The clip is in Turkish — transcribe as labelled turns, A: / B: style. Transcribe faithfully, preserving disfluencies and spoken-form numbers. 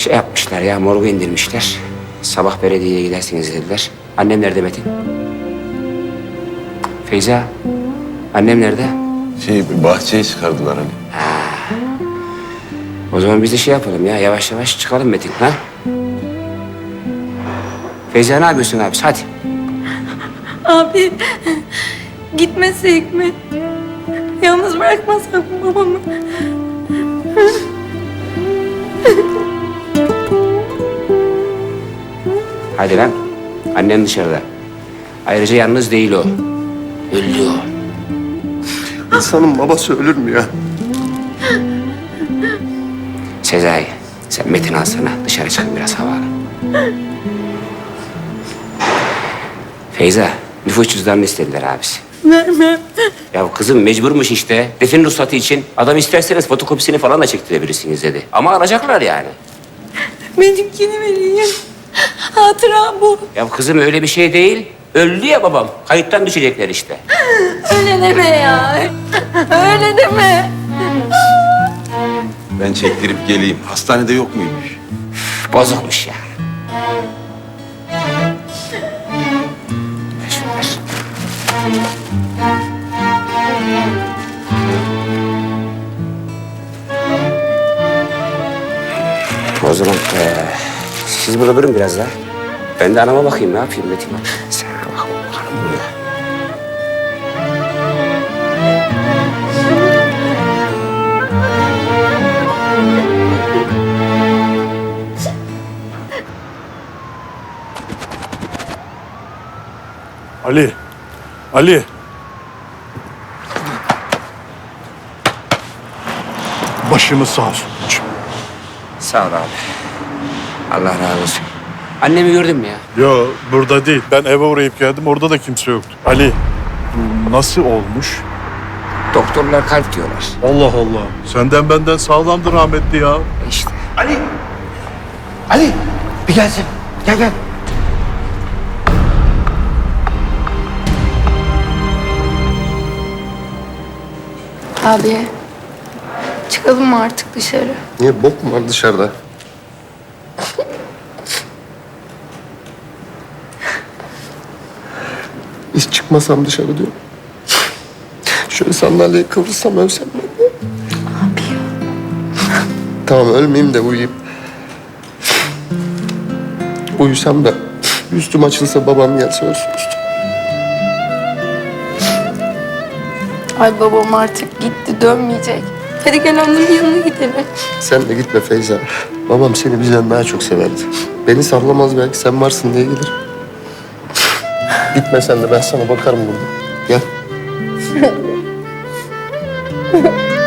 A: Şey yapmışlar ya, morgu indirmişler. Sabah belediyeye gidersiniz dediler. Annem nerede Metin? Feyza, annem nerede?
B: Şey, bahçeye çıkardılar hani.
A: O zaman biz de şey yapalım ya, yavaş yavaş çıkalım Metin, ha? Feyza ne yapıyorsun abi? Hadi.
C: Abi gitmesek mi? Yalnız bırakmasak mı babamı?
A: Hadi lan. Annem dışarıda. Ayrıca yalnız değil o. Öldü o.
D: İnsanın babası ölür mü ya?
A: Sezai, sen Metin alsana. Dışarı çıkın biraz hava alın. Feyza, nüfus cüzdanını istediler abisi.
C: Vermem.
A: Ya kızım mecburmuş işte. Defin ruhsatı için. Adam isterseniz fotokopisini falan da çektirebilirsiniz dedi. Ama alacaklar yani.
C: Benimkini vereyim. Hatıra bu.
A: Ya kızım öyle bir şey değil. Öldü ya babam. Kayıttan düşecekler işte.
C: Öyle deme ya. Öyle deme.
B: Ben çektirip geleyim. Hastanede yok muymuş?
A: Bozukmuş ya. Ver şunu, ver. O zaman eee, siz burada durun biraz daha. Ben de anama bakayım, ne yapayım Metin? Sen bak bakalım burada.
E: Ali. Ali. Başımız sağ olsun.
A: Sağ ol abi. Allah razı olsun. Annemi gördün mü ya?
E: Yo, burada değil. Ben eve uğrayıp geldim. Orada da kimse yoktu. Ali, bu nasıl olmuş?
A: Doktorlar kalp diyorlar.
E: Allah Allah. Senden benden sağlamdır rahmetli ya.
A: E İşte.
D: Ali! Ali! Bir gelsin. Gel gel.
C: Abi çıkalım mı artık dışarı?
D: Niye bok mu var dışarıda? Hiç çıkmasam dışarı diyor. Şöyle sandalyeye kıvırsam ölsem ben de.
C: Abi ya.
D: Tamam ölmeyeyim de uyuyayım. Uyusam da üstüm açılsa babam gelse ölsün üstüm.
C: Ay babam artık gitti dönmeyecek. Hadi gel onun yanına gidelim.
D: Sen de gitme Feyza. Babam seni bizden daha çok severdi. Beni sallamaz belki sen varsın diye gelir. Gitme sen de ben sana bakarım burada. Gel.